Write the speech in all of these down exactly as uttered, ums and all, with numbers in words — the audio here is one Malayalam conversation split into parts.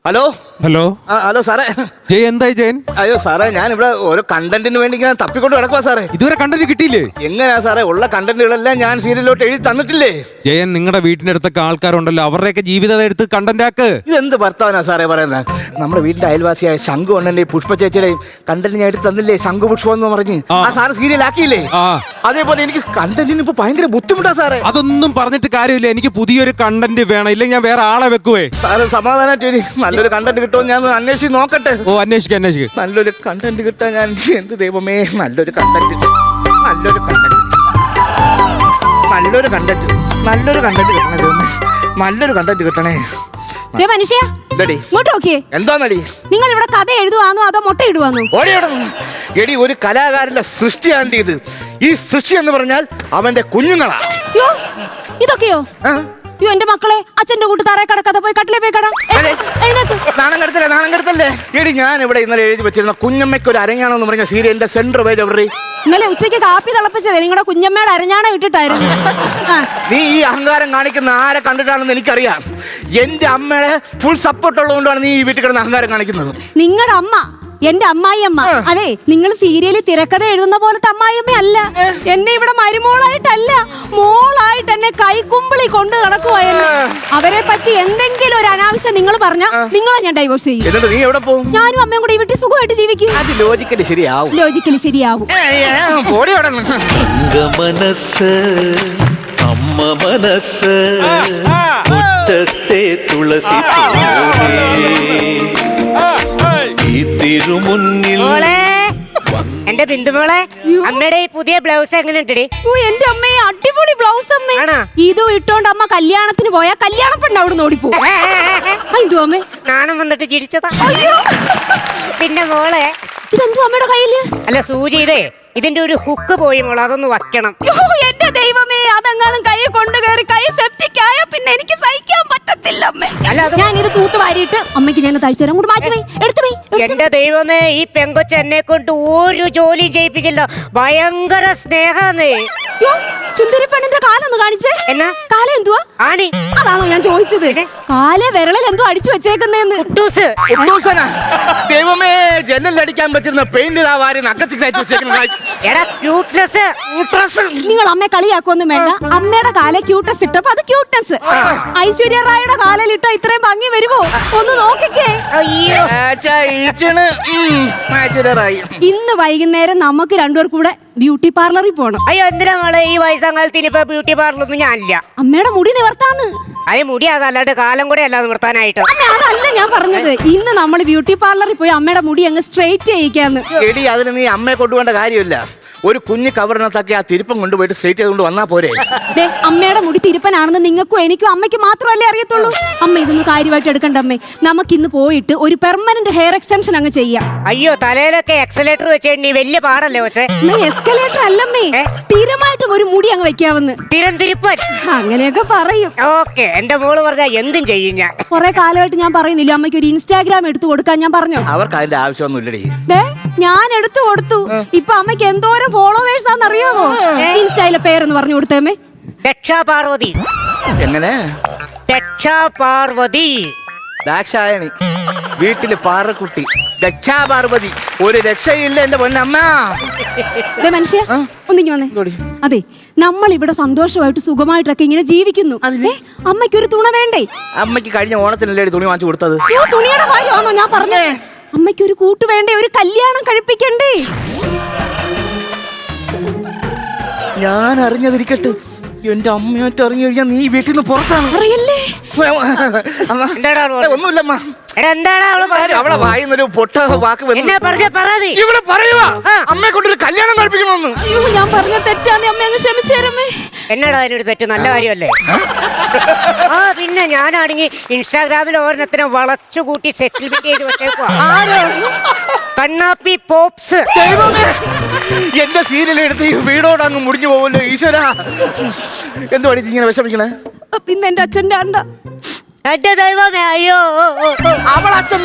ഹലോ ഹലോ ആ ഹലോ സാറേ. ജയൻ എന്തായി ജയൻ? അയ്യോ സാറേ, ഞാൻ ഇവിടെ ഓരോ കണ്ടന്റിന് വേണ്ടി ഇങ്ങനെ തപ്പിക്കൊണ്ട് കിടക്കുവാ സാറേ. ഇതുവരെ കണ്ടന്റ് കിട്ടിയില്ലേ? എങ്ങനെയാ സാറേ, ഉള്ള കണ്ടന്റുകളെല്ലാം ഞാൻ സീരിയലിലോട്ട് എഴുതി തന്നിട്ടില്ലേ? ജയൻ, നിങ്ങളുടെ വീട്ടിന്റെ അടുത്തൊക്കെ ആൾക്കാരുണ്ടല്ലോ, അവരുടെയൊക്കെ ജീവിതം എടുത്ത് കണ്ടന്റ് ആക്ക്. ഇതെന്ത് ഭർത്താവനാ സാറേ പറയുന്നത്? നമ്മുടെ വീടിന്റെ അയൽവാസിയായ ശംഖു അണ്ണന്റെയും പുഷ്പ ചേച്ചിയുടെയും കണ്ടന്റ് ഞാൻ എടുത്ത് തന്നില്ലേ? ശംഖു പുഷ്പം എന്ന് പറഞ്ഞ് ആ സാറ് സീരിയൽ ആക്കിയില്ലേ? ആ അതേപോലെ എനിക്ക് കണ്ടന്റിന് ഇപ്പൊ ഭയങ്കര ബുദ്ധിമുട്ടാ സാറേ. അതൊന്നും പറഞ്ഞിട്ട് കാര്യമില്ല, എനിക്ക് പുതിയൊരു കണ്ടന്റ് വേണം, ഇല്ലെങ്കിൽ ഞാൻ വേറെ ആളെ വെക്കുവേ. സാറ് സമാധാനമായിട്ട് നല്ലൊരു കണ്ടന്റ് കിട്ടുമോ ഞാൻ അന്വേഷിച്ച് നോക്കട്ടെ. ഓ അന്വേഷിക്ക അന്വേഷിക്ക നല്ലൊരു കണ്ടന്റ് കിട്ടാൻ ഞാൻ എന്ത് ദൈവമേ, നല്ലൊരു കണ്ടന്റ് നല്ലൊരു കണ്ടന്റ് നല്ലൊരു കണ്ടന്റ് നല്ലൊരു കണ്ടന്റ് കിട്ടണേ ദൈവമേ, നല്ലൊരു കണ്ടന്റ് കിട്ടണേ. ദേ മനുഷ്യ, എന്തടി ഇങ്ങോട്ട് നോക്കിയേ. എന്താന്നടി? നിങ്ങൾ ഇവിടെ കഥ എഴുതുവാന്നോ അതോ മുട്ട ഇടുവാന്നോ? ഓടിയോടുന്നു എടി, ഒരു കലാകാരന്റെ സൃഷ്ടിയാണ് ഇത്. ഈ സൃഷ്ടി എന്ന് പറഞ്ഞാൽ അവന്റെ കുഞ്ഞുങ്ങളാ. യോ, ഇതൊക്കെയോ? ആ? യോ, എന്റെ മക്കളെ അച്ഛന്റെ കൂട്ട് തറയെ കടക്കാതെ പോയി കട്ടിലേ പോയി കട. അതെ. എഴുന്നേക്ക്. നാണം കെടുത്തല്ലേ, നാണം കെടുത്തല്ലേ. എടി, ഞാൻ ഇവിടെ ഇന്നലെ എഴുതി വെച്ചിരുന്ന കുഞ്ഞമ്മയ്ക്ക് ഒരു അരങ്ങാണെന്ന് പറഞ്ഞ സീരിയലിന്റെ സെന്റർ പേജ് എവിടെ? ഇന്നലെ ഉച്ചയ്ക്ക് കാപ്പി തിളപ്പിച്ചത് നിങ്ങളുടെ കുഞ്ഞമ്മയുടെ അരഞ്ഞാണ വിട്ടിട്ടായിരുന്നു. ആ, നീ ഈ അഹങ്കാരം കാണിക്കുന്ന ആരെ കണ്ടിട്ടാണെന്ന് എനിക്കറിയാം. എന്റെ അമ്മയുടെ ഫുൾ സപ്പോർട്ട് ഉള്ളതുകൊണ്ടാണ് നീ ഈ വീട്ടിൽ കിടന്ന് അഹങ്കാരം കാണിക്കുന്നത്. നിങ്ങളുടെ അമ്മ എന്റെ അമ്മായിയമ്മ. അതെ, നിങ്ങൾ സീരിയലിൽ തിരക്കഥ എഴുതുന്ന പോലത്തെ അമ്മായിയമ്മ അല്ല. എന്നെ ഇവിടെ മരുമോളായിട്ടല്ല, മോളായിട്ട് എന്നെ കൈക്കുമ്പിളി കൊണ്ട് നടക്കുവായിരുന്നു. അവരെ പറ്റി എന്തെങ്കിലും ഒരു അനാവശ്യം നിങ്ങൾ പറഞ്ഞ നിങ്ങളെ ഞാൻ ഡൈവോഴ്സ് ചെയ്യും. എന്നിട്ട് നീ എവിടെ പോകും? ഞാനും അമ്മയും കൂടി ഈ വീട്ടിൽ സുഖമായിട്ട് ജീവിക്കും. അത് ലോജിക്കലി ശരിയാവും. ലോജിക്കലി ശരിയാവും. പോടി അവിടെ നിന്ന്. മനസ്സ് അമ്മ മനസ്സ് മുറ്റത്തെ തുളസി ഈ തിരുമുന്നിൽ എന്റെ ബിന്ദുമോളെ, അമ്മയുടെ ഈ പുതിയ ബ്ലൗസ് എങ്ങനെ ഉണ്ടടി? ഓ, എന്റെ അമ്മയെ അടിപൊളി ബ്ലൗസ് അമ്മേ. ആണോ? ഇതും ഇട്ടോണ്ട് അമ്മ കല്യാണത്തിന് പോയാ കല്യാണ പെണ്ണ് അവിടെ നിന്ന് ഓടിപ്പോ. എന്തോ അമ്മേ, നാണം വന്നിട്ട് ചിരിച്ചതാ. പിന്നെ മോളെ, ഇതെന്തോ അമ്മയുടെ കയ്യില്? അല്ല സൂചി, ഇതേ ഇതിന്റെ ഒരു ഹുക്ക് പോയി മോളെ, അതൊന്ന് വയ്ക്കണം. യ്യോ, എന്റെ ദൈവമേ, അതെങ്ങാനും കൈ കൊണ്ട് കയറി കൈ സെപ്റ്റിക് ആയ പിന്നെ എനിക്ക് സഹിക്കാൻ പറ്റത്തില്ല അമ്മേ. അല്ല, അത് ഞാൻ ഇത് തൂത്ത് വാരിയിട്ട് അമ്മയ്ക്ക് ഞാൻ തഴിച്ചു തരാം. കൂടെ മാറ്റി പോയി എടുത്തു പോയി. എന്റെ ദൈവമേ, ഈ പെങ്കൊച്ച് എന്നെ കൊണ്ട് ഒരു ജോലി ചെയ്യിപ്പിക്കില്ല. ഭയങ്കര സ്നേഹാന്നേ. ചുന്ദരി പെണ്ണിന്റെ കാലൊന്ന് കാണിച്ചേ. എന്നാ കാല എന്തുവാ? ആണി. അതാണോ ഞാൻ ചോദിച്ചത്? കാലെ വിരളിൽ എന്തോ അടിച്ചു വെച്ചേക്കുന്നേന്ന്. കുട്ടൂസ്. കുട്ടൂസനാ? ദൈവമേ, ജനലടിക്കാൻ പറ്റുന്ന പെയിന്റ് ആ വാരി നക്കത്തി കയറ്റി വെച്ചേക്കുന്ന. എടാ ക്യൂട്ട്നെസ്. നിങ്ങൾ അമ്മയെ കളിയാക്കൊന്നും വേണ്ട. അമ്മയുടെ കാലെ ക്യൂട്ടസ് ഇട്ടപ്പോ അത് ക്യൂട്ട്നെസ്. ഐശ്വര്യ റായുടെ കാലിലിട്ട ഇത്രയും ഭംഗി വരുമോ? ഒന്ന് നോക്കിക്കേ. അയ്യോ, ഇന്ന് വൈകുന്നേരം നമുക്ക് രണ്ടുപേർ കൂടെ ബ്യൂട്ടി പാർലറിൽ പോണം. അയ്യോ, എന്തിനാ മോളെ ഈ വയസ്സാകാലത്ത് ഇനിയിപ്പോ ബ്യൂട്ടി പാർലറൊന്നും ഞാനില്ല. അമ്മയുടെ മുടി നിവർത്താന്ന്. അത് മുടിയാകാം, അല്ലാണ്ട് കാലം കൂടെ അല്ലാതെ നിർത്താനായിട്ട്. അമ്മ, അതല്ല ഞാൻ പറഞ്ഞത്. ഇന്ന് നമ്മൾ ബ്യൂട്ടി പാർലറിൽ പോയി അമ്മയുടെ മുടി അങ്ങ് സ്ട്രെയിറ്റ് ചെയ്യിക്കാന്ന്. എടി, അതിന് നീ അമ്മയെ കൊണ്ടുപോകേണ്ട കാര്യമില്ല. ഒരു കുഞ്ഞു കവറിനകത്തൊക്കെ ആ തിരുപ്പം കൊണ്ടുപോയിട്ട് സ്ട്രേറ്റ് ചെയ്തുകൊണ്ട് വന്നാ പോരെ? ദേ, അമ്മയുടെ മുടി തിരുപ്പനാണെന്ന് നിങ്ങൾക്കും എനിക്കും അമ്മയ്ക്ക് മാത്രമല്ലേ അറിയത്തുള്ളൂ. അമ്മ ഇതൊന്നും കാര്യമായിട്ട് എടുക്കണ്ട അമ്മേ. നമുക്ക് ഇന്ന് പോയിട്ട് ഒരു പെർമനന്റ് ഹെയർ എക്സ്റ്റൻഷൻ അങ്ങ് ചെയ്യാം. അയ്യോ, തലയിലൊക്കെ എക്സലേറ്റർ വെച്ചേണ്ടി വലിയ പാടല്ലേ വെച്ചേ? എസ്കലേറ്റർ അല്ലമ്മേ, സ്ഥിരമായിട്ടും ഒരു മുടി അങ്ങ് വെക്കാവുന്ന. തിരം തിരുപ്പൻ അങ്ങനെയൊക്കെ പറയും. ഓക്കെ, എന്റെ മോള് പറഞ്ഞാ എന്തും ചെയ്യും ഞാൻ. കുറെ കാലമായിട്ട് ഞാൻ പറയുന്നില്ല അമ്മയ്ക്ക് ഒരു ഇൻസ്റ്റാഗ്രാം എടുത്തു കൊടുക്കാൻ. ഞാൻ പറഞ്ഞു അവർക്ക് അതിന്റെ ആവശ്യമൊന്നുമില്ലടി. ദേ, ഞാൻ എടുത്തു കൊടുത്തു. ഇപ്പൊ അമ്മയ്ക്ക് എന്തോരം ഫോളോവേഴ്സ് ആണെന്ന് അറിയാമോ? ഇൻസ്റ്റയിലെ പേരെന്ന് പറഞ്ഞു കൊടുത്തേമ്മേ. ദക്ഷാ പാർവതി. എങ്ങനെ? ദക്ഷാ പാർവതി. ദാക്ഷായണി, വീട്ടില് പാറക്കുട്ടി, ദക്ഷാപാർവതി. ഒരു രക്ഷയില്ല എന്റെ പൊന്നമ്മ. ദേ മനുഷ്യ, ഒന്നിങ്ങി വന്നേ. അതെ, നമ്മൾ ഇവിടെ സന്തോഷമായിട്ട് സുഖമായിട്ടൊക്കെ ഇങ്ങനെ ജീവിക്കുന്നു. അതിന്? അമ്മയ്ക്ക് ഒരു തുണ വേണ്ടേ? അമ്മയ്ക്ക് കഴിഞ്ഞ ഓണത്തിനല്ലേ തുണി വാങ്ങിച്ചു കൊടുത്തത്? അയ്യോ, തുണിയുടെ കാര്യമാണോ ഞാൻ പറഞ്ഞേ? അമ്മയ്ക്ക് ഒരു കൂട്ട് വേണ്ടേ? ഒരു കല്യാണം കഴിപ്പിക്കണ്ടേ? ഞാൻ അറിഞ്ഞതിരിക്കട്ടെ, എന്റെ അമ്മയായിട്ട് അറിഞ്ഞു കഴിഞ്ഞാൽ നീ വീട്ടിൽ നിന്ന് പുറത്താണ്. അറിയല്ലേ? അമ്മ, എന്താടാ അവള് ഏ, ഒന്നുമില്ലമ്മ. എടാ, എന്താടാ അവള് പറഞ്ഞത്? അവളെ വായിന്നൊരു പൊട്ട വാക്ക് വന്നു. എന്നാ പറഞ്ഞ പറതി ഇവിടെ പറയുവാ അമ്മയെ കൊണ്ടൊരു കല്യാണം കഴിപ്പിക്കണമെന്ന്. അയ്യോ, ഞാൻ പറഞ്ഞ തെറ്റാന്ന് അമ്മ അങ്ങ് ക്ഷമിച്ചേരമ്മേ. എന്നടാ അതിനൊരു തെറ്റ്? നല്ല കാര്യമല്ലേ? ആ പിന്നെ ഞാനാണെങ്കിൽ ഇൻസ്റ്റാഗ്രാമിൽ ഓരോരുത്തരെ വളച്ചു കൂട്ടി സെറ്റിൽമെന്റ് ചെയ്ത് വെച്ചേക്കുവാ. കണ്ണാപ്പി പോപ്സ്. ദൈവമേ, എന്റെ സീരിയൽ എടുത്ത് ഈ വീടോട് അങ്ങ് മുടിഞ്ഞു പോവല്ലോ ഈശ്വര. എന്തുവാടി ഇങ്ങനെ വിഷമിക്കണേ? പിന്നെ എന്റെ അച്ഛന്റെ അണ്ട. എന്റെ ദൈവമേ, അയ്യോ. അവൾ അച്ഛന്റെ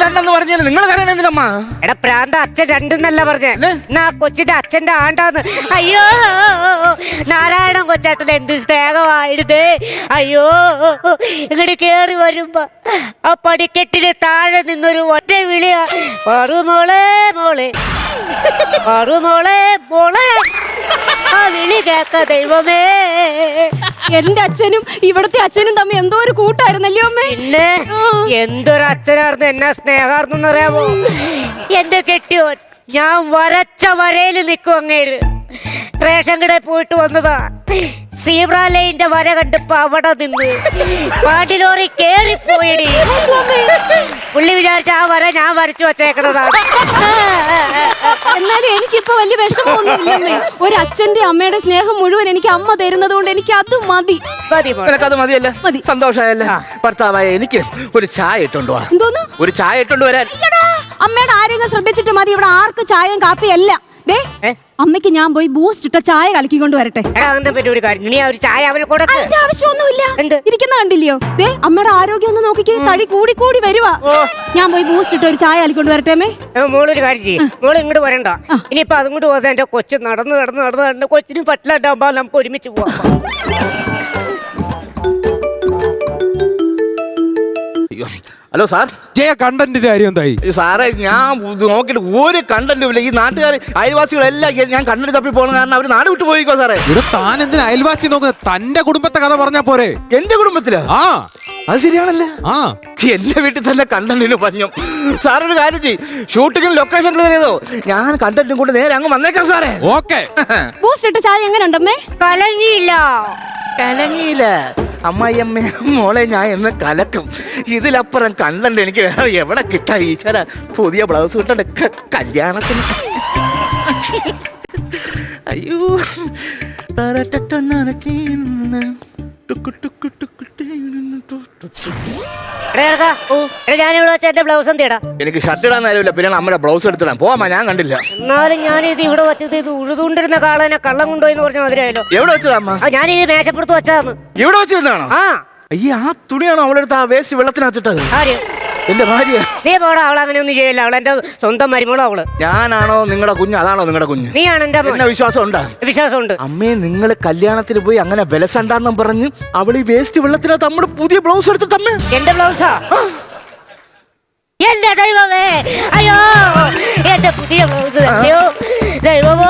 രണ്ടെന്ന് പറഞ്ഞാൽ നിങ്ങൾ കരയണ എന്തിനമ്മ? എടാ പ്രാന്ത, അച്ഛൻ രണ്ടെന്നല്ല പറഞ്ഞേ, അല്ലേ? എന്നാ കൊച്ചിന്റെ അച്ഛന്റെ ആണ്ടാന്ന്. അയ്യോ നാരായണൻ കൊച്ചേട്ടൻ എന്ത് സ്നേഹമായിരുന്നേ. അയ്യോ ഇങ്ങോട്ട് കേറി വരുമ്പോ ആ പടിക്കെട്ടിന് താഴെ നിന്നൊരു ഒറ്റ വിളിയാ, പാറു മോളെ മോളെ, പാറു മോളെ മോളെ. ആ വിളി കേക്ക ദൈവമേ. എന്റെ അച്ഛനും ഇവിടത്തെ അച്ഛനും തമ്മിൽ എന്തോ ഒരു കൂട്ടായിരുന്നല്ലേ അമ്മേ? പിന്നെ എന്തൊരു അച്ഛനായിരുന്നു, എന്നാ സ്നേഹാർന്നു അറിയാമോ? എന്റെ കെട്ടിയോൻ ഞാൻ വരച്ച വരയിൽ നിൽക്കും അങ്ങേര്. റേഷൻ കടയിൽ പോയിട്ട് വന്നതാ, സീബ്ര ലൈനിന്റെ വര കണ്ടപ്പോ അവിടെ നിന്ന് പാട്ടിലോറി കേറിപ്പോയിടി. പുള്ളി വിചാരിച്ച ആ വര ഞാൻ വരച്ചു വച്ചേക്കുന്നതാണ്. എന്നാലും എനിക്കിപ്പോ വലിയ വിഷമമൊന്നുമില്ലമ്മേ. ഒരു അച്ഛന്റെ അമ്മയുടെ സ്നേഹം മുഴുവൻ എനിക്ക് അമ്മ തരുന്നത് കൊണ്ട് എനിക്ക് അത് മതി. മതി മോളെ. നിനക്കത് മതിയല്ലേ? മതി. സന്തോഷമായല്ലേ? ഭർത്താവായ എനിക്ക് ഒരു ചായ ഇട്ടുണ്ടോ? എന്തോന്ന്? ഒരു ചായ ഇട്ടുകൊണ്ട് വരാൻ. അയ്യടാ, അമ്മയുടെ ആരോഗ്യം ശ്രദ്ധിച്ചിട്ട് മതി. ഇവിടെ ആർക്കും ചായയും കാപ്പിയല്ല. ദേ ഏ? അമ്മയ്ക്ക് ഞാൻ പോയി ബൂസ്റ്റ് ഇട്ട ചായ കലക്കിക്കൊണ്ട് വരട്ടെ. എടാ അങ്ങനത്തെ പറ്റി ഒരു കാര്യം, നീ ആ ഒരു ചായ അവന് കൊടുക്ക. അതിന്റെ ആവശ്യമൊന്നുമില്ല. എന്ത്? ഇരിക്കുന്ന കണ്ടില്ലയോ? ദേ അമ്മയുടെ ആരോഗ്യം ഒന്ന് നോക്കിക്കേ, തടി കൂടി കൂടി വരുവാ. ഞാൻ പോയി ബൂസ്റ്റ് ഇട്ട ഒരു ചായ കലക്കിക്കൊണ്ട് വരട്ടെ അമ്മേ. മോളൊരു കാര്യം ചെയ്യും, മോള് ഇങ്ങോട്ട് വരണ്ട. ഇനിയിപ്പൊ അതും കൂടി പോകാൻ എന്റെ കൊച്ചു നടന്ന് നടന്ന് നടന്ന് നടന്ന് കൊച്ചിന് പറ്റില്ലാണ്ടാവുമ്പോ നമുക്ക് ഒരുമിച്ച് പോവാം. അയ്യോ, ഹലോ സാർ. ജയ കണ്ടന്റിന്റെ കാര്യം എന്തായി? ഈ സാറേ ഞാൻ നോക്കിയിട്ട് ഒരു കണ്ടന്റും ഇല്ല. ഈ നാട്ടുകാർ അയൽവാസികളെല്ലാം ഈ- ഞാൻ കണ്ടന്റ് തപ്പി പോകണം കാരണം അവർ നാട് വിട്ടു പോയിക്കോ സാറേ. ഇവിടെ താൻ എന്തിനാ അയൽവാസി നോക്കുന്നത്? തന്റെ കുടുംബത്തെ കഥ പറഞ്ഞാ പോരെ? എന്റെ കുടുംബത്തിലാ? ആ അത് ശരിയാണല്ലേ? ആ എന്റെ വീട്ടിൽ തന്നെ കണ്ടന്റിന് പഞ്ഞു. സാറൊരു കാര്യം ചെയ്യും, ഷൂട്ടിങ്ങിന് ലൊക്കേഷൻ ക്ലിയർ ചെയ്തോ, ഞാൻ കണ്ടന്റും കൊണ്ട് നേരെ അങ്ങ് വന്നേക്കാം സാറേ. ഓക്കെ. ബൂസ്റ്റ് ഇട്ട ചായ എങ്ങനെ ഉണ്ടമ്മേ? കലങ്ങിയില്ല. കലങ്ങിയില്ല അമ്മായിയമ്മ മോളെ, ഞാൻ എന്ന് കലക്കും. ഇതിലപ്പുറം കണ്ടന്റ് എനിക്ക് വേറെ എവിടെ കിട്ടാ ഈശ്വര. പുതിയ ബ്ലൗസ് കിട്ടണ്ട ക- കല്യാണത്തിന്. അയ്യോ ഞാനിവിടെ വെച്ച എന്റെ ബ്ലൗസ് എന്തിടാ? എനിക്ക് ഷർട്ട് ഇടാൻ നേരമില്ല, പിന്നെ നമ്മുടെ ബ്ലൗസ് എടുത്തിടാം. പോവാ, ഞാൻ കണ്ടില്ല. എന്നാലും ഞാനിത് ഇവിടെ വെച്ചത് ഇത് ഉഴുതുകൊണ്ടിരുന്ന കാളനെ കള്ളം കൊണ്ടുപോയി പറഞ്ഞ മാതിരിയായല്ലോ. എവിടെ വെച്ചതാ അമ്മ? ഞാനിത് മേശപ്പുറത്ത് വെച്ചതാന്ന്. ഇവിടെ വെച്ചിരുന്നാണോ? ആ അയ്യ, ആ തുണിയാണോ അവളുടെ അടുത്ത് ആ വേസ്റ്റ് വെള്ളത്തിനകത്തിട്ടത്? ആര്? എന്റെ ഭാര്യ. നീ പോടാ, അവൾ അങ്ങനെ ഒന്നും ചെയ്യില്ല. അവൾ എന്റെ സ്വന്തം മരുമോളോ അവള്. ഞാനാണോ നിങ്ങളുടെ കുഞ്ഞ്? അതാണോ നിങ്ങളുടെ കുഞ്ഞ്? നീയാണ് എന്റെ മോൻ. എന്നെ വിശ്വാസം ഉണ്ടാ? വിശ്വാസമുണ്ട്. അമ്മേ, നിങ്ങൾ കല്യാണത്തിന് പോയി അങ്ങനെ വിലസണ്ടെന്നും പറഞ്ഞ് അവൾ ഈ വേസ്റ്റ് വെള്ളത്തിനകത്ത് നമ്മുടെ പുതിയ ബ്ലൗസ് എടുത്തിട്ട് അമ്മേ. എന്റെ ബ്ലൗസാ? എന്റെ ദൈവമേ, അയ്യോ എന്റെ പുതിയ ബ്ലൗസ്. അയ്യോ ദൈവമോ,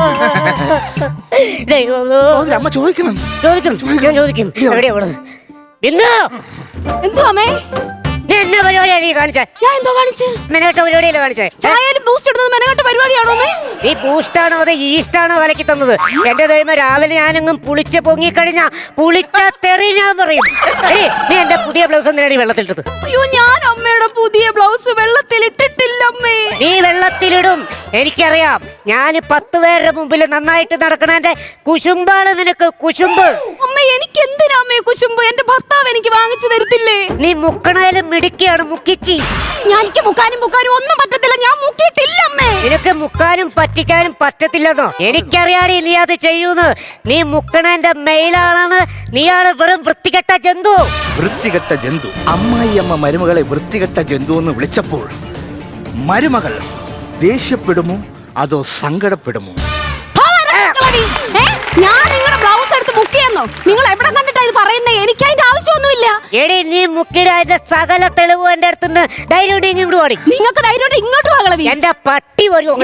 ദൈവമോ. സഹോദരി, അമ്മ ചോദിക്കണം. ചോദിക്കും, ഞാൻ ചോദിക്കും. എവിടെയാ അവള്? ബിന്ദു, എന്തോ അമ്മേ? നീ എന്നാ പരിപാടിയാ നീ കാണിച്ചേ? ഞാൻ എന്തോ കാണിച്ച്? മെനകെട്ട പരിപാടിയല്ലേ കാണിച്ചേ? ചായയിലും ബൂസ്റ്റ് ഇടുന്നത് മെനകെട്ട പരിപാടിയാണോ അമ്മേ? നീ ബൂസ്റ്റാണോ അതോ ഈസ്റ്റാണോ കലക്കി തന്നത്? എന്റെ ദൈവം, രാവിലെ ഞാനെങ്ങും പുളിച്ച് പൊങ്ങിക്കഴിഞ്ഞാ പുളിച്ച തെറി ഞാൻ പറയും. ഏയ്, നീ എന്റെ പുതിയ ബ്ലൗസ് എന്തിനാണ് വെള്ളത്തിലിട്ടത്? അയ്യോ, ഞാൻ അമ്മയുടെ പുതിയ ബ്ലൗസ് വെള്ളത്തിൽ ഇട്ടിട്ടില്ല അമ്മേ. നീ വെള്ളത്തിലിടും, എനിക്കറിയാം. ഞാൻ പത്ത് പേരുടെ മുമ്പിൽ നന്നായിട്ട് നടക്കണേന്റെ കുശുമ്പാണ് നിനക്ക്, കുശുമ്പ്. അമ്മ, എനിക്ക് എന്തിനാ അമ്മേ കുശുമ്പ്? എന്റെ ഭർത്താവ് എനിക്ക് വാങ്ങിച്ചു തരത്തില്ലേ? നീ മുക്കണേലും മിടുക്കിയാണ്, മുക്കിച്ചി. ഞാൻ എനിക്ക് മുക്കാനും മുക്കാനും ഒന്നും പറ്റത്തില്ല. ഞാൻ മുക്കിയിട്ടില്ല അമ്മേ. നിനക്ക് മുക്കാനും പറ്റിക്കാനും പറ്റത്തില്ലെന്നോ? എനിക്കറിയാടി നീ അത് ചെയ്യൂന്ന്. നീ മുക്കണേന്റെ മെയിലാണെന്ന്. നീയാണ് വെറും വൃത്തികെട്ട ജന്തു. വൃത്തികെട്ട ജന്തു. അമ്മായിയമ്മ മരുമകളെ വൃത്തികെട്ട ജന്തു എന്ന് വിളിച്ചപ്പോൾ മരുമകൾ ദേഷ്യപ്പെടുമോ അതോ സങ്കടപ്പെടുമോ? ഏ? ഞാൻ നിങ്ങളുടെ ബ്ലൗസ് എടുത്ത് മുക്കിയെന്നോ? നിങ്ങൾ എവിടെ കണ്ടിട്ടാ ഇത് പറയുന്നേ? എനിക്ക് അതിന്റെ ആവശ്യമൊന്നുമില്ല. എടി, നീ മുക്കിയുടെ അതിന്റെ സകല തെളിവ് എന്റെ അടുത്തുനിന്ന് ധൈര്യം ഇങ്ങോട്ട് പാടി. നിങ്ങൾക്ക് ധൈര്യം ഇങ്ങോട്ട് വാങ്ങളവി. എന്റെ പട്ടി വരും.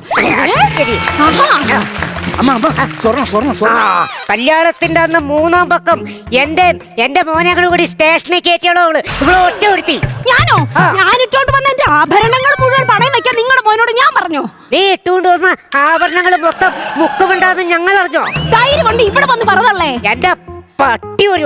അമ്മ അമ്മ സ്വർണം സ്വർണം സ്വർണം. കല്യാണത്തിന്റെ അന്ന് മൂന്നാം പക്കം എന്റെ എന്റെ മോനെ കൂടി സ്റ്റേഷനിൽ കയറ്റിയാളോ അവള്. ഇവിടെ ഒറ്റ ഒരുത്തി. ഞാനോ? ഞാൻ ഇട്ടോണ്ട് വന്ന എന്റെ ആഭരണങ്ങൾ മുഴുവൻ പണയം വെക്കാൻ നിങ്ങളുടെ മോനോട് ഞാൻ പറഞ്ഞോ? നീ ഇട്ടുകൊണ്ട് വന്ന ആഭരണങ്ങൾ മൊത്തം മുക്കുമുണ്ടാന്ന് ഞങ്ങൾ അറിഞ്ഞോ? ധൈര്യം കൊണ്ട് ഇവിടെ വന്ന് പറഞ്ഞല്ലേ? എന്റെ പട്ടി ഒരു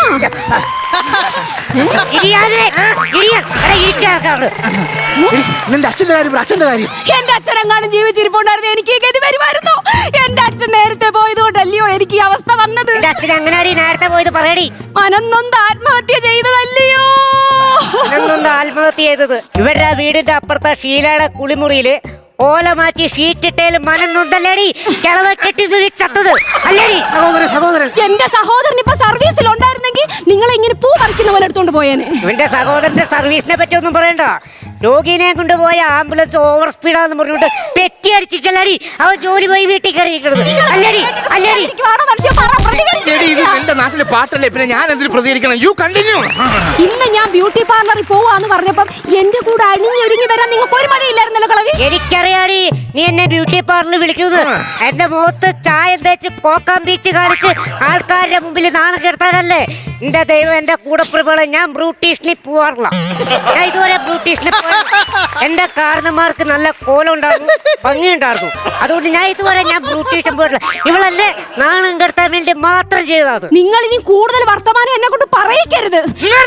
നിന്റെ അച്ഛന്റെ കാര്യം അച്ഛന്റെ കാര്യം. എന്റെ അച്ഛനെങ്ങാനും ജീവിച്ചിരിപ്പുണ്ടായിരുന്നു എനിക്ക് ഈ ഗതി വരുമായിരുന്നു. എന്റെ അച്ഛൻ നേരത്തെ പോയതുകൊണ്ടല്ലയോ എനിക്ക് ഈ അവസ്ഥ വന്നത്. എന്റെ അച്ഛൻ അങ്ങനെയാടി നേരത്തെ പോയത് പറയടി. മനന്നൊന്ന് ആത്മഹത്യ ചെയ്തതല്ലയോ? മനന്നൊന്ന് ആത്മഹത്യ ചെയ്തത് ഇവരുടെ വീടിന്റെ അപ്പുറത്തെ ഷീലയുടെ കുളിമുറിയില് ഓല മാറ്റി ഷീറ്റിട്ടേലും മനന്നുണ്ടല്ലേടി കിളവ കെട്ടി ചത്തത് അല്ലേടി? സഹോദരൻ സഹോദരൻ എന്റെ സഹോദരൻ ഇപ്പൊ സർവീസിൽ ഉണ്ടായിരുന്നെങ്കിൽ നിങ്ങളെ ഇങ്ങനെ പൂ പറിക്കുന്ന പോലെ എടുത്തോണ്ട് പോയേനെ. ഇവന്റെ സഹോദരന്റെ സർവീസിനെ പറ്റി ഒന്നും പറയണ്ട. രോഗിനെ കൊണ്ടുപോയ ആംബുലൻസ് ഓവർ സ്പീഡാന്ന് പറഞ്ഞിട്ട് പെറ്റി അടിച്ചിട്ടല്ലേടി അവൻ ജോലി പോയി വീട്ടിൽ കയറിയിരിക്കുന്നത് അല്ലേടി? അല്ലേടി? എടി, ഇത് എന്റെ നാട്ടിലെ പാട്ടല്ലേ, പിന്നെ ഞാൻ എന്തിനു പ്രതികരിക്കണം? You continue. ഇന്ന് ഞാൻ ബ്യൂട്ടി പാർലറിൽ പോവാന്ന് പറഞ്ഞപ്പം എന്റെ കൂടെ അണിഞ്ഞൊരുങ്ങി വരാൻ നിങ്ങൾക്ക് ഒരു മടിയില്ലായിരുന്നല്ലോ കളവി. എനിക്കറിയാടി നീ എന്നെ ബ്യൂട്ടി പാർലറിൽ വിളിക്കുന്നത്. എന്റെ മുഖത്ത് ചായ തേച്ച് കോക്കാം ബീച്ച് കാണിച്ച് ആൾക്കാരുടെ മുമ്പിൽ നാണം കെടുത്താനല്ലേ? എന്റെ ദൈവം, എന്റെ കൂടപ്പിറപ്പുകളെ ഞാൻ ബ്യൂട്ടീഷ്യനിൽ പോവാറില്ല. ഞാൻ ഇതുവരെ ബ്യൂട്ടീഷ്യനിൽ പോയി. എന്റെ കാരണന്മാർക്ക് നല്ല കോലം ഉണ്ടായിരുന്നു, ഭംഗി ഉണ്ടായിരുന്നു. അതുകൊണ്ട് ഞാൻ ഇതുവരെ ഞാൻ ബ്യൂട്ടീഷ്യൻ പോയിട്ടില്ല. ഇവളല്ലേ നാണം കെടുത്താൻ വേണ്ടി മാത്രം ചെയ്തത്. നിങ്ങൾ ഇനി കൂടുതൽ വർത്തമാനം എന്നെ കൊണ്ട് പറയിക്കരുത്.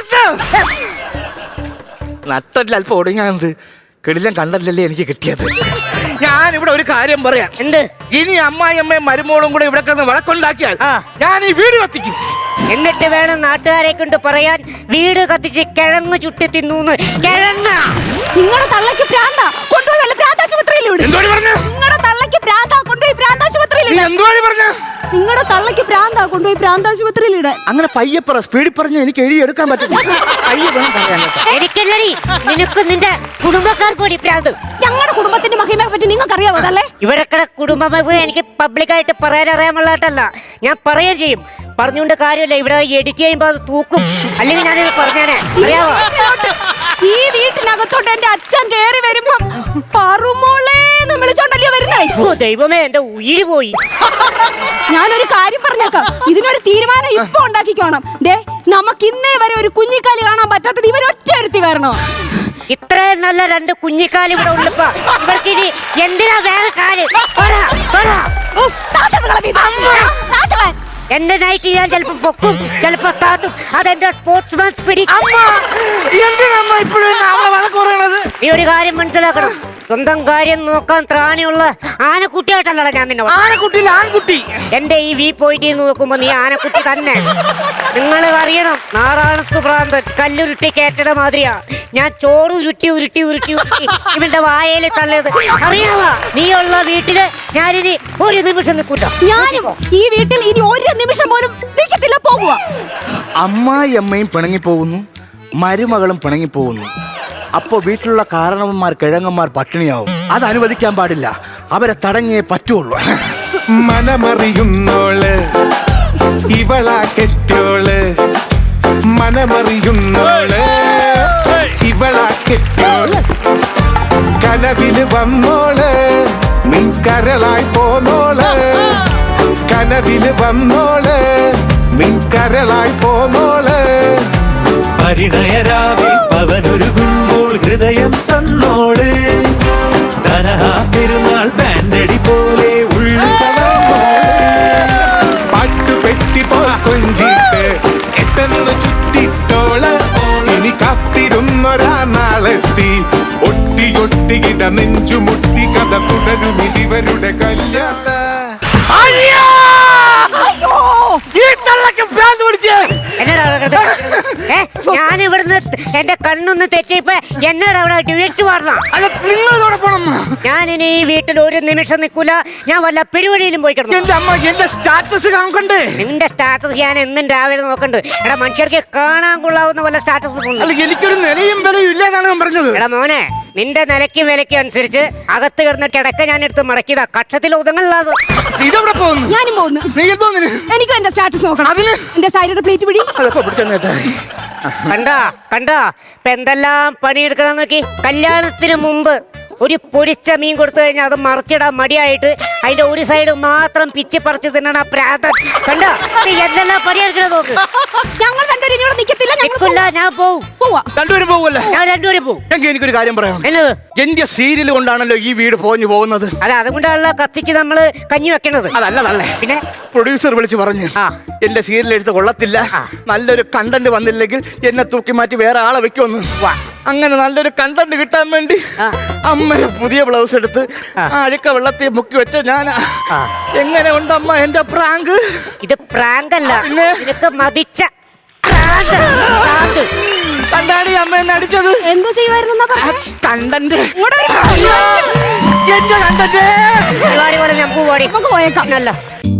നട്ടല്ല അല്പം ഒടുങ്ങാത് കിടിലം കണ്ടല്ലേ എനിക്ക് കിട്ടിയത്. ഞാൻ ഇവിടെ ഒരു കാര്യം പറയാം. എന്ത്? ഇനി അമ്മായിയമ്മയും മരുമോളും കൂടെ ഇവിടെ കിടന്ന് വഴക്കുണ്ടാക്കിയാൽ ആ. ഞാൻ ഈ വീട് കത്തിക്കും. എന്നിട്ട് വേണം നാട്ടുകാരെ കൊണ്ട് പറയാൻ വീട് കത്തിച്ച് കിഴങ്ങ് ചുട്ടി തിന്നൂന്ന്. കിഴങ്ങ നിങ്ങളുടെ തള്ളക്ക് പ്രാന്ത കൊണ്ടുപോയി വല്ല പ്രാന്താശുപത്രിയിലൂടെ. എന്തോടി പറഞ്ഞു? നിങ്ങളുടെ തള്ളക്ക് പ്രാന്ത കൊണ്ടുപോയി പ്രാന്താശുപത്രിയിലൂടെ. എന്തോടി പറഞ്ഞു? നിങ്ങളുടെ തള്ളക്ക് പ്രാന്ത കൊണ്ടുപോയി പ്രാന്താശുപത്രിയിലൂടെ. അങ്ങനെ പയ്യെ പറ, സ്പീഡിൽ പറഞ്ഞ് എനിക്ക് എഴുതിയെടുക്കാൻ പറ്റും. പയ്യെ വേണം പറയാൻ കേട്ടോ. എനിക്കല്ലടി, നിനക്ക് നിന്റെ കുടുംബക്കാർക്ക് കൂടി പ്രാന്ത്. ഞങ്ങളുടെ കുടുംബത്തിന്റെ മഹിമയെ പറ്റി നിങ്ങൾക്ക് അറിയാവോ? അതല്ലേ ഇവരൊക്കെ കുടുംബം എനിക്ക് പബ്ലിക്കായിട്ട് പറയാൻ അറിയാമുള്ളതായിട്ടല്ല, ഞാൻ പറയുകയും ചെയ്യും. പറഞ്ഞുകൊണ്ട് കാര്യമില്ല, ഇവിടെ എഡിറ്റ് ചെയ്യുമ്പോ അത് തൂക്കും. അല്ലെങ്കിൽ ഞാനിത് പറഞ്ഞേനെ, അറിയാവോ? ഈ വീട്ടിനകത്തോട്ട് എന്റെ അച്ഛൻ കേറി വരുമ്പം പറമോളേന്ന് വിളിച്ചോണ്ടല്ലേ വരുന്നേ. ഓ ദൈവമേ, എന്റെ ഉയിര് പോയി. ഞാനൊരു കാര്യം പറഞ്ഞേക്കാം, ഇതിനൊരു തീരുമാനം ഇപ്പൊ ഉണ്ടാക്കിക്കോണം. ദേ, നമുക്ക് ഇന്നേ വരെ ഒരു കുഞ്ഞിക്കാലി കാണാൻ പറ്റാത്തത് ഇവരൊറ്റ എടുത്തി കാരണോ. ഇത്രയും നല്ല രണ്ട് കുഞ്ഞിക്കാലി ഇവിടെ ഉള്ളപ്പോ ഇവർക്ക് ഇനി എന്തിനാ വേറെ കാല്? എന്റെ നൈറ്റ് ഞാൻ ചിലപ്പോ പൊക്കും, ചിലപ്പോ താത്തും. അതെന്റെ സ്പോർട്സ്മാൻ സ്പിരിറ്റ്. നീ ഒരു കാര്യം മനസ്സിലാക്കണം, സ്വന്തം കാര്യം നോക്കാൻ ത്രാണിയുള്ള ആനക്കുട്ടിയായിട്ടല്ലടാ ഞാൻ നിന്നെ. ആനക്കുട്ടി ആൺകുട്ടി. എന്റെ ഈ വി പോയിട്ട് നോക്കുമ്പോ നീ ആനക്കുട്ടി തന്നെ. നിങ്ങൾ അറിയണം, നാറാണത്ത് ഭ്രാന്തൻ കല്ലുരുട്ടി കേറ്റട മാതിരിയാ ഞാൻ ചോറ് ഉരുട്ടി ഉരുട്ടി ഉരുട്ടി ഉരുട്ടി ഇവന്റെ വായയിൽ തള്ളത്. അറിയാവാ, നീയുള്ള വീട്ടില് ഞാനിനി ഒരു നിമിഷം നിൽക്കൂട്ട. ഞാനും ഈ വീട്ടിൽ ഇനി ഒരു നിമിഷം പോലും നിൽക്കത്തില്ല, പോകുക. അമ്മായിയമ്മയും പിണങ്ങി പോകുന്നു, മരുമകളും പിണങ്ങി പോകുന്നു. അപ്പോ വീട്ടിലുള്ള കാരണവന്മാർ കിഴങ്ങന്മാർ പട്ടിണിയാവും. അത് അനുവദിക്കാൻ പാടില്ല. അവരെ തടഞ്ഞേ പറ്റുള്ളൂ. മനമറിയുന്നോള് ഇവളാ കെട്ടോള്, മനമറിയുന്നോള് ഇവളാ കെട്ടോള്. കനവില് വന്നോള് നിൻ കരളായി പോന്നോള്, കനവില് വന്നോള് നിൻ കരളായി പോന്നോള്. പരിണയരാവിൽ പവനൊരുകുമ്പോൾ ഹൃദയം തന്നോള്, തനഹാ പെരുന്നാൾ ബാൻഡടി പോലെ പാട്ടുപെട്ടി പോ കൊഞ്ചിട്ട് എട്ടെന്ന് ചുറ്റിട്ടോള്. ഇനി കാത്തിരുന്നൊരാ നാളെത്തി ഒട്ടി ഒട്ടിയിട നെഞ്ചുമുട്ടി കഥ തുടരും ഇതിവരുടെ കല്യാണം. ഞാൻ ഇവിടുന്ന് എന്റെ കണ്ണൊന്ന് തെറ്റിയപ്പോ എന്നോട് അവിടെ ഡ്യൂറ്റ് പാടണം. ഞാനിനി ഈ വീട്ടിൽ ഒരു നിമിഷം നിൽക്കൂല. ഞാൻ വല്ല പരിപാടിയിലും പോയി കിടന്നു. എന്റെ സ്റ്റാറ്റസ് കാണണ്ടേ? നിന്റെ സ്റ്റാറ്റസ് ഞാൻ എന്നും രാവിലെ നോക്കണ്ട്. എടാ, മനുഷ്യർക്ക് കാണാൻ കൊള്ളാവുന്ന വല്ല സ്റ്റാറ്റസ് എനിക്കൊരു നിലയും വിലയും ഇല്ലെന്നാണ് ഞാൻ പറഞ്ഞത്. എടാ മോനെ, നിന്റെ നിലയ്ക്കും വിലയ്ക്കും അനുസരിച്ച് അകത്ത് കിടന്ന കിടക്ക ഞാൻ എടുത്ത് മടക്കിയതാ. കക്ഷത്തിൽ ഒതുങ്ങല്ലാതെ ഇതെവിടെ പോകുന്നു? ഞാനും പോകുന്നു. നീ എന്തോന്നിന്? എനിക്കും എന്റെ സ്റ്റാറ്റസ് നോക്കണം. അതിന് എന്റെ സൈഡിയുടെ പ്ലേറ്റ് പിടി. അതൊക്കെ പിടിച്ചേട്ടാ. കണ്ടാ കണ്ടാ ഇപ്പൊ എന്തെല്ലാം പണിയെടുക്കണം നോക്കി. കല്യാണത്തിന് മുമ്പ് ഒരു പൊരിച്ച മീൻ കൊടുത്തു കഴിഞ്ഞാൽ അത് മറിച്ചിടാൻ മടിയായിട്ട് അതിന്റെ ഒരു സൈഡ് മാത്രം പിച്ചി പറിച്ച് തിന്നണ പ്രാന്തൻ. കണ്ടാ എന്തെല്ലാം പണിയെടുക്കണം നോക്ക്. ഞങ്ങൾ രണ്ടുപേരും ഇനി ഇവിടെ നിൽക്കത്തില്ല. നിൽക്കില്ല, ഞാൻ പോവും. പോവാ. രണ്ടുപേരും പോവല്ലേ? ഞാൻ രണ്ടുപേരും പോവും. എങ്കിൽ എനിക്കൊരു കാര്യം പറയാം. എന്നത്? എന്റെ സീരിയൽ കൊണ്ടാണല്ലോ ഈ വീട് പോഞ്ഞു പോകുന്നത്. അല്ല, അതുകൊണ്ടാണല്ലോ കത്തിച്ച് നമ്മള് കഞ്ഞി വെക്കണത്. അതല്ല നല്ലേ. പിന്നെ പ്രൊഡ്യൂസർ വിളിച്ച് പറഞ്ഞു, ആ. എന്റെ സീരിയൽ എടുത്ത് കൊള്ളത്തില്ല, നല്ലൊരു കണ്ടന്റ് വന്നില്ലെങ്കിൽ എന്നെ തൂക്കി മാറ്റി വേറെ ആളെ വെക്കുമെന്ന്. അങ്ങനെ നല്ലൊരു കണ്ടന്റ് കിട്ടാൻ വേണ്ടി അമ്മ പുതിയ ബ്ലൗസ് എടുത്ത് അഴുക്ക വെള്ളത്തിൽ മുക്കി വെച്ച ഞാൻ. എങ്ങനെ ഉണ്ട് അമ്മ എന്റെ പ്രാങ്ക്? ഇത് പ്രാങ്ക് അല്ല, പിന്നെ? നിനക്ക് മതിച്ച കണ്ടാടി അമ്മ എന്നെ അടിച്ചത്. എന്തോ ചെയ്യുമായിരുന്നു കണ്ടന്റ്. ഇങ്ങോട്ട് വരൂ. എന്റെ കണ്ടന്റ് പരിപാടി പോലെ നമുക്ക് പോടി നമുക്ക് പോയേക്കാം അല്ല